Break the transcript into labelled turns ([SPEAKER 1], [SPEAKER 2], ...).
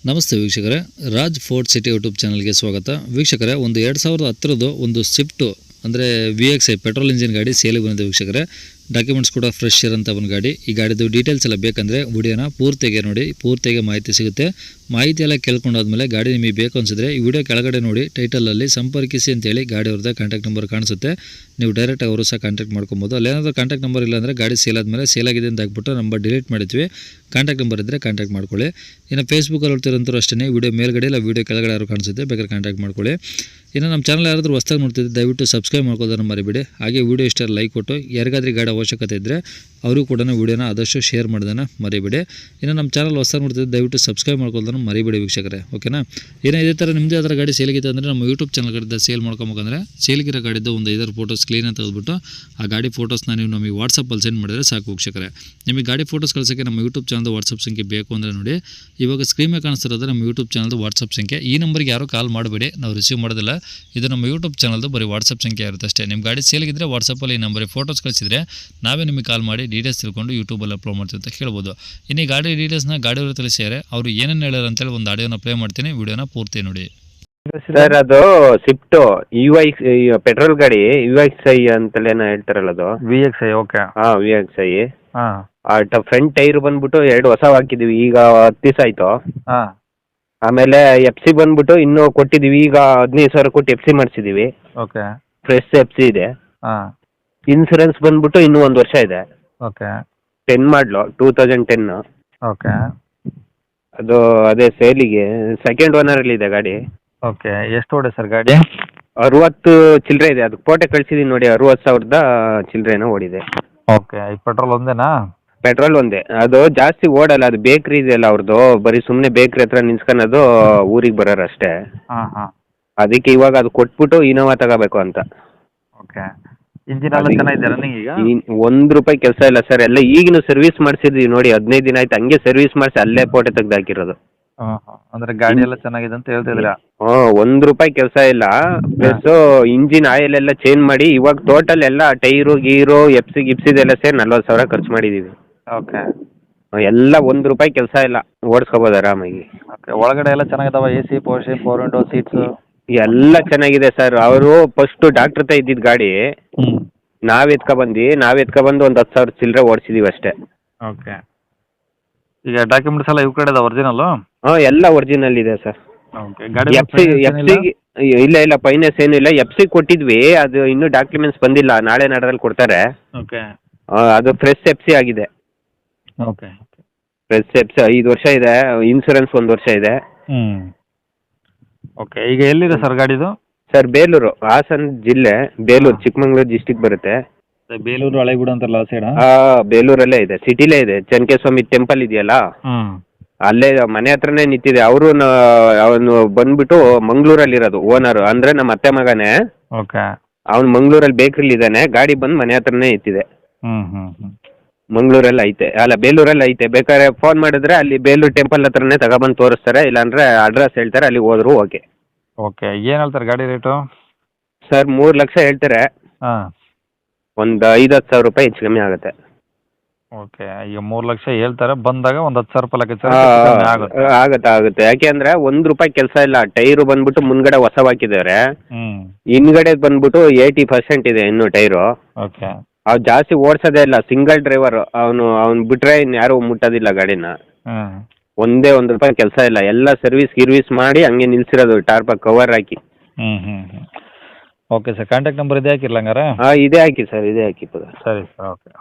[SPEAKER 1] ನಮಸ್ತೆ ವೀಕ್ಷಕರೇ, Raj fort city YouTube ಚಾನಲ್ಗೆ ಸ್ವಾಗತ. ವೀಕ್ಷಕರೇ, ಒಂದು 2010 ಒಂದು ಸ್ವಿಫ್ಟು ಅಂದರೆ VXi ಪೆಟ್ರೋಲ್ ಇಂಜಿನ್ ಗಾಡಿ ಸೇಲಿಗೆ ಬಂದಿದೆ ವೀಕ್ಷಕರೇ. ಡಾಕ್ಯುಮೆಂಟ್ಸ್ ಕೂಡ ಫ್ರೆಶ್ ಇರೋಂಥ ಒಂದು ಗಾಡಿ. ಈ ಗಾಡಿದು ಡೀಟೇಲ್ಸ್ ಎಲ್ಲ ಬೇಕಂದರೆ ವಿಡಿಯೋನ ಪೂರ್ತಿಗೆ ನೋಡಿ, ಪೂರ್ತಿಗೆ ಮಾಹಿತಿ ಸಿಗುತ್ತೆ. ಮಾಹಿತಿ ಎಲ್ಲ ಕೇಳ್ಕೊಂಡಾದ್ಮೇಲೆ ಗಾಡಿ ನಿಮಗೆ ಬೇಕು ಅನಿಸಿದ್ರೆ ಈ ವಿಡಿಯೋ ಕೆಳಗಡೆ ನೋಡಿ ಟೈಟಲಲ್ಲಿ ಸಂಪರ್ಕಿಸಿ ಅಂತೇಳಿ ಗಾಡಿ ಅವ್ರದ್ದು ಕಾಂಟ್ಯಾಕ್ಟ್ ನಂಬರ್ ಕಾಣಿಸುತ್ತೆ. ನೀವು ಡೈರೆಕ್ಟಾಗಿ ಅವರು ಸಹ ಕಾಂಟ್ಯಾಕ್ಟ್ ಮಾಡ್ಕೊಬೋದು. ಅಲ್ಲೇನಾದರೂ ಕಾಂಟ್ಯಾಕ್ಟ್ ನಂಬರ್ ಇಲ್ಲ ಅಂದರೆ ಗಾಡಿ ಸೇಲ್ ಆದಮೇಲೆ ಸೇಲ್ ಆಗಿದೆ ಅಂತ ಹಾಕ್ಬಿಟ್ಟು ನಂಬರ್ ಡಿಲೀಟ್ ಮಾಡಿದ್ವಿ. ಕಾಂಟ್ಯಾಕ್ಟ್ ನಂಬರ್ ಇದ್ದರೆ ಕಾಂಟ್ಯಾಕ್ಟ್ ಮಾಡ್ಕೊಳ್ಳಿ. ಇನ್ನು ಫೇಸ್ಬುಕ್ಕಲ್ಲಿ ಹೊಡ್ತಿರೋಂಥವ್ರು ಅಷ್ಟೇ, ವಿಡಿಯೋ ಮೇಲ್ಗಡೆ ಇಲ್ಲ ವಿಡಿಯೋ ಕೆಳಗಡೆ ಯಾರು ಕಾಣಿಸುತ್ತೆ, ಬೇಕಾದ್ರೆ ಕಾಂಟ್ಯಾಕ್ಟ್ ಮಾಡ್ಕೊಳ್ಳಿ. ಇನ್ನು ನಮ್ಮ ಚಾನಲ್ ಯಾರಾದರೂ ಹೊಸ್ದಾಗಿ ನೋಡ್ತಿದ್ದೆ ದಯವಿಟ್ಟು ಸಬ್ಸ್ಕ್ರೈಬ್ ಮಾಡ್ಕೋದನ್ನು ಮರಿಬೇಡಿ. ಹಾಗೆ ವಿಡಿಯೋ ಇಷ್ಟ ಲೈಕ್ ಕೊಟ್ಟು ಯಾರಿಗಾದ್ರೂ ಗಾಡಿ ಅವಶ್ಯಕತೆ ಇದ್ದರೆ ಅವ್ರಿಗೂ ಕೂಡ ವಿಡಿಯೋನ ಆದಷ್ಟು ಶೇರ್ ಮಾಡೋದನ್ನು ಮರಿಬೇಡಿ. ಇನ್ನು ನಮ್ಮ ಚಾನಲ್ ಹೊಸ್ದಾಗಿ ನೋಡ್ತಿದ್ದೆ ದಯವಿಟ್ಟು ಸಬ್ಸ್ಕ್ರೈಬ್ ಮಾಡ್ಕೊಳ್ಳೋದನ್ನು ಮರಿಬೇಡಿ ವೀಕ್ಷಕರೇ, ಓಕೆನಾ. ಏನೋ ಇದೇ ಥರ ನಿಮ್ಮದೇ ಅದರ ಗಾಡಿ ಸೇಲಿಗಿದೆ ಅಂದರೆ ನಮ್ಮ ಯೂಟ್ಯೂಬ್ ಚಾನಲ್ ಕಡೆಯಿಂದ ಸೇಲ್ ಮಾಡ್ಕೊಬೇಕಂದ್ರೆ ಸೇಲಿಗಿರೋ ಗಾಡಿದ್ದು ಒಂದು 5 ಫೋಟೋಸ್ ಕ್ಲೀನಾಗಿ ತೆಗೆದುಬಿಟ್ಟು ಆ ಗಾಡಿ ಫೋಟೋಸ್ನ ನೀವು ನಮಗೆ ವಾಟ್ಸಪ್ಪಲ್ಲಿ ಸೆಂಡ್ ಮಾಡಿದರೆ ಸಾಕು ವೀಕ್ಷಕರೇ. ನಿಮಗೆ ಗಾಡಿ ಫೋಟೋಸ್ ಕಳಿಸೋಕ್ಕೆ ನಮ್ಮ ಯೂಟ್ಯೂಬ್ ಚಾನಲ್ದು ವಾಟ್ಸಪ್ ಸಂಖ್ಯೆ ಬೇಕು ಅಂದರೆ ನೋಡಿ, ಇವಾಗ ಸ್ಕ್ರೀನ್ ಮೇಲೆ ಕಾಣಿಸ್ತಿರೋದು ನಮ್ಮ ಯೂಟ್ಯೂಬ್ ಚಾನಲ್ದು ವಾಟ್ಸಪ್ ಸಂಖ್ಯೆ. ಈ ನಂಬರ್ಗೆ ಯಾರೂ ಕಾಲ್ ಮಾಡಬೇಡಿ, ನಾವು ರಿಸೀವ್ ಮಾಡೋದಿಲ್ಲ. ಇದು ನಮ್ಮ ಯೂಟ್ಯೂಬ್ ಚಾನಲ್ದು ಬರೀ ವಾಟ್ಸಪ್ ಸಂಖ್ಯೆ ಇರುತ್ತೆ ಅಷ್ಟೇ. ನಿಮ್ಮ ಗಾಡಿ ಸೇಲಿಗಿದ್ರೆ ವಾಟ್ಸಪ್ಪಲ್ಲಿ ಈ ನಂಬರಿಗೆ ಫೋಟೋಸ್ ಕಳಿಸಿದರೆ ನಾವೇ ನಿಮಗೆ ಕಾಲ್ ಮಾಡಿ ಡೀಟೇಲ್ಸ್ ತಿಳ್ಕೊಂಡು ಯೂಟ್ಯೂಬಲ್ಲಿ ಅಪ್ಲೋಡ್ ಮಾಡ್ತೀವಿ ಅಂತ ಹೇಳ್ಬೋದು. ಇನ್ನು ಈ ಗಾಡಿ ಡೀಟೇಲ್ಸ್ನ ಗಾಡಿಯವರು ತಿಳಿಸಿದ್ದಾರೆ, ಅವರು ಏನೇನು ಹೇಳ್ಯಾರ ಅಂತೇಳಿ ಒಂದು ಆಡಿಯೋನ ಪ್ಲೇ ಮಾಡ್ತೀನಿ, ವಿಡಿಯೋನ ಪೂರ್ತಿ ನೋಡಿ.
[SPEAKER 2] ಸರ್, ಅದು ಸ್ವಿಫ್ಟ್ ಪೆಟ್ರೋಲ್ ಗಾಡಿ VXi ಅಂತಲೇನೋ ಹೇಳ್ತಾರಲ್ಲ, ಅದು
[SPEAKER 3] VXi. ಓಕೆ.
[SPEAKER 2] VXi.
[SPEAKER 3] ಹಾಂ.
[SPEAKER 2] ಫ್ರಂಟ್ ಟೈರ್ ಬಂದ್ಬಿಟ್ಟು 2 ಹೊಸ ಹಾಕಿದೀವಿ, ಈಗ 10 ದಿವಸ ಆಯ್ತು.
[SPEAKER 3] ಹಾಂ.
[SPEAKER 2] ಆಮೇಲೆ FC ಬಂದ್ಬಿಟ್ಟು ಇನ್ನೂ ಕೊಟ್ಟಿದೀವಿ, ಈಗ 15,000 ಕೊಟ್ಟು FC ಮಾಡಿಸಿದೀವಿ.
[SPEAKER 3] ಓಕೆ.
[SPEAKER 2] ಫ್ರೆಶ್ FC ಇದೆ.
[SPEAKER 3] ಹಾಂ.
[SPEAKER 2] ಇನ್ಸೂರೆನ್ಸ್ ಬಂದ್ಬಿಟ್ಟು ಇನ್ನೂ 1 ವರ್ಷ ಇದೆ.
[SPEAKER 3] ಓಕೆ.
[SPEAKER 2] 10 ಮಾಡಲು 2010.
[SPEAKER 3] ಓಕೆ.
[SPEAKER 2] ಅದು ಅದೇ ಸೇಲಿಗೆ ಸೆಕೆಂಡ್ ಓನರಲ್ಲಿ ಇದೆ ಗಾಡಿ.
[SPEAKER 3] ಓಕೆ. ಎಷ್ಟು ಓಡಿ ಸರ್ ಗಾಡಿ?
[SPEAKER 2] 60 ಚಿಲ್ಲರೆ ಇದೆ. ಅದಕ್ಕೆ ಫೋಟೋ ಕಳಿಸಿದೀನಿ ನೋಡಿ, 60,000 ಚಿಲ್ಲರೆನೋ ಓಡಿದೆ.
[SPEAKER 3] ಓಕೆ. ಈ ಪೆಟ್ರೋಲ್ ಒಂದೇನಾ?
[SPEAKER 2] ಪೆಟ್ರೋಲ್ ಒಂದೇ. ಅದು ಜಾಸ್ತಿ ಓಡಲ್ಲ, ಅದು ಬೇಕ್ರಿ ಇದೆಯಲ್ಲ ಅವ್ರದ್ದು, ಬರೀ ಸುಮ್ಮನೆ ಬೇಕ್ರಿ ಹತ್ರ ನಿಲ್ಸ್ಕೊಳೋದು, ಊರಿಗೆ ಬರೋರು ಅಷ್ಟೇ.
[SPEAKER 3] ಹಾಂ ಹಾಂ.
[SPEAKER 2] ಅದಕ್ಕೆ ಇವಾಗ ಅದು ಕೊಟ್ಬಿಟ್ಟು ಇನೋವಾ ತಗೋಬೇಕು ಅಂತ.
[SPEAKER 3] ಓಕೆ. ಇಂಜಿನ್ ಎಲ್ಲ ಚೆನ್ನಾಗಿದೆ ರನ್ನಿಂಗ್ ಈಗ?
[SPEAKER 2] ₹1 ಕೆಲಸ ಇಲ್ಲ ಸರ್, ಎಲ್ಲ ಈಗಿನ ಸರ್ವಿಸ್ ಮಾಡಿಸಿದ್ವಿ ನೋಡಿ, 15 ದಿನ ಆಯ್ತು, ಹಂಗೆ ಸರ್ವಿಸ್ ಮಾಡಿಸಿ ಅಲ್ಲೇ ಫೋಟೋ ತೆಗ್ದು ಹಾಕಿರೋದು.
[SPEAKER 3] ಹಾಂ ಹಾಂ. ಅಂದರೆ ಗಾಡಿ ಎಲ್ಲ ಚೆನ್ನಾಗಿದೆ ಅಂತ ಹೇಳ್ತಿದ್ದೀರಾ?
[SPEAKER 2] ₹1 ಕೆಲಸ ಇಲ್ಲ. ಪ್ಲಸ್ ಇಂಜಿನ್ ಆಯಿಲ್ ಎಲ್ಲ ಚೇಂಜ್ ಮಾಡಿ ಇವಾಗ ಟೋಟಲ್ ಎಲ್ಲ ಟೈರು ಗೀರು ಗಿಪ್ಸಿದೆಲ್ಲ ಸೇರಿ 40,000 ಖರ್ಚು ಮಾಡಿದ್ದೀವಿ.
[SPEAKER 3] ಓಕೆ.
[SPEAKER 2] ಎಲ್ಲ ₹1 ಕೆಲಸ ಇಲ್ಲ, ಓಡಿಸ್ಕೋಬೋದು ಆರಾಮಾಗಿ.
[SPEAKER 3] ಓಕೆ. ಒಳಗಡೆ ಎಲ್ಲ ಚೆನ್ನಾಗಿದಾವ? AC, ಪವರ್ ವಿಂಡೋ, ಸೀಟ್ಸು
[SPEAKER 2] ಎಲ್ಲ ಚೆನ್ನಾಗಿದೆ ಸರ್. ಅವರು ಫಸ್ಟು ಡಾಕ್ಟ್ರ್ ಹತ್ರ ಇದ್ದಿದ್ದು ಗಾಡಿ ನಾವ್ ಎತ್ಕೊಬಂದು ಒಂದು 10,000 ಚಿಲ್ಲರೆ ಓಡಿಸಿದೀವಿ ಅಷ್ಟೇ.
[SPEAKER 3] ಓಕೆ. ಈಗ ಡಾಕ್ಯುಮೆಂಟ್ಸ್ ಎಲ್ಲ ಇವ್ ಕಡೆ ಇದಾವೆ ಒರಿಜಿನಲ್ಲು?
[SPEAKER 2] ಎಲ್ಲ ಒರಿಜಿನಲ್ ಇದೆ ಸರ್.
[SPEAKER 3] ಓಕೆ. ಗಾಡಿ
[SPEAKER 2] ಇಲ್ಲ ಫೈನಾನ್ಸ್ ಏನೂ ಇಲ್ಲ. FC ಕೊಟ್ಟಿದ್ವಿ, ಅದು ಇನ್ನೂ ಡಾಕ್ಯುಮೆಂಟ್ಸ್ ಬಂದಿಲ್ಲ, ನಾಳೆ ನಾಡದಲ್ಲಿ ಕೊಡ್ತಾರೆ.
[SPEAKER 3] ಓಕೆ.
[SPEAKER 2] ಅದು ಫ್ರೆಶ್ FC ಆಗಿದೆ.
[SPEAKER 3] ಓಕೆ.
[SPEAKER 2] ಫ್ರೆಶ್ FC 5 ವರ್ಷ ಇದೆ, ಇನ್ಸೂರೆನ್ಸ್ 1 ವರ್ಷ ಇದೆ.
[SPEAKER 3] ಓಕೆ. ಈಗ ಎಲ್ಲಿದೆ ಸರ್ ಗಾಡಿದು?
[SPEAKER 2] ಸರ್, ಬೇಲೂರು, ಹಾಸನ ಜಿಲ್ಲೆ, ಬೇಲೂರು, ಚಿಕ್ಕಮಂಗ್ಳೂರು ಡಿಸ್ಟಿಕ್ ಬರುತ್ತೆ.
[SPEAKER 3] ಬೇಲೂರು ಹಳೆಗೂಡ ಅಂತಾರಲ್ಲ ಆ ಸೈಡ್?
[SPEAKER 2] ಬೇಲೂರಲ್ಲೇ ಇದೆ, ಸಿಟಿಲೇ ಇದೆ. ಚನ್ನಕೇಸ್ವಾಮಿ ಟೆಂಪಲ್ ಇದೆಯಲ್ಲ, ಅಲ್ಲೇ ಮನೆ ಹತ್ರನೇ ನಿಂತಿದೆ. ಅವನು ಬಂದ್ಬಿಟ್ಟು ಮಂಗಳೂರಲ್ಲಿ ಓನರ್, ಅಂದ್ರೆ ನಮ್ಮ ಅತ್ತೆ ಮಗನೇ.
[SPEAKER 3] ಓಕೆ.
[SPEAKER 2] ಅವ್ನು ಮಂಗಳೂರಲ್ಲಿ ಬೇಕ್ರಿಲಿ ಇದ್ದಾನೆ, ಗಾಡಿ ಬಂದು ಮನೆ ಹತ್ರನೇ ಇತ್ತಿದೆ. ಮಂಗಳೂರಲ್ಲಿ ಐತೆ, ಅಲ್ಲ ಬೇಲೂರಲ್ಲಿ ಐತೆ. ಬೇಕಾದ್ರೆ ಫೋನ್ ಮಾಡಿದ್ರೆ ಅಲ್ಲಿ ಬೇಲೂರು ಟೆಂಪಲ್ ಹತ್ರನೇ ತಗೊಬಂದು ತೋರಿಸ್ತಾರೆ, ಇಲ್ಲಾಂದ್ರೆ ಅಡ್ರೆಸ್ ಹೇಳ್ತಾರೆ, ಅಲ್ಲಿ ಹೋದ್ರು ಓಕೆ.
[SPEAKER 3] ಓಕೆ. ಏನು ಹೇಳ್ತಾರೆ ಗಾಡಿ ರೇಟು?
[SPEAKER 2] ಸರ್, 3 ಲಕ್ಷ ಹೇಳ್ತಾರೆ.
[SPEAKER 3] ಹಾಂ.
[SPEAKER 2] ಒಂದು 5-10 ಸಾವಿರ ರೂಪಾಯಿ ಹೆಚ್ಚು ಕಮ್ಮಿ ಆಗುತ್ತೆ.
[SPEAKER 3] ಓಕೆ. ಈಗ 3 ಲಕ್ಷ ಹೇಳ್ತಾರೆ, ಬಂದಾಗ ಒಂದು 10,000 ರೂಪಾಯಿ
[SPEAKER 2] ಆಗುತ್ತೆ. ಯಾಕೆ ಅಂದ್ರೆ ₹1 ಕೆಲಸ ಇಲ್ಲ. ಟೈರು ಬಂದ್ಬಿಟ್ಟು ಮುಂದ್ಗಡೆ ಹೊಸ ಹಾಕಿದ್ದಾರೆ, ಹಿಂದ್ಗಡೆ ಬಂದ್ಬಿಟ್ಟು 80% ಇದೆ ಇನ್ನು ಟೈರು.
[SPEAKER 3] ಓಕೆ.
[SPEAKER 2] ಅವ್ರು ಜಾಸ್ತಿ ಓಡಿಸೋದೇ ಇಲ್ಲ, ಸಿಂಗಲ್ ಡ್ರೈವರ್. ಅವ್ನು ಬಿಟ್ರೆ ಇನ್ಯಾರು ಮುಟ್ಟೋದಿಲ್ಲ ಗಾಡಿನ. ಒಂದೇ ₹1 ಕೆಲಸ ಇಲ್ಲ, ಎಲ್ಲ ಗಿರ್ವಿಸ್ ಮಾಡಿ ಹಂಗೆ ನಿಲ್ಸಿರೋದು, ಟಾರ್ಪ ಕವರ್ ಹಾಕಿ.
[SPEAKER 3] Okay sir. ಕಾಂಟ್ಯಾಕ್ಟ್ ನಂಬರ್ ಇದೇ ಹಾಕಿರ್ಲ ಹಂಗಾರೆ?
[SPEAKER 2] ಇದೇ ಹಾಕಿ ಸರ್, ಇದೇ ಹಾಕಿ.
[SPEAKER 3] ಸರಿ ಸರ್. ಓಕೆ.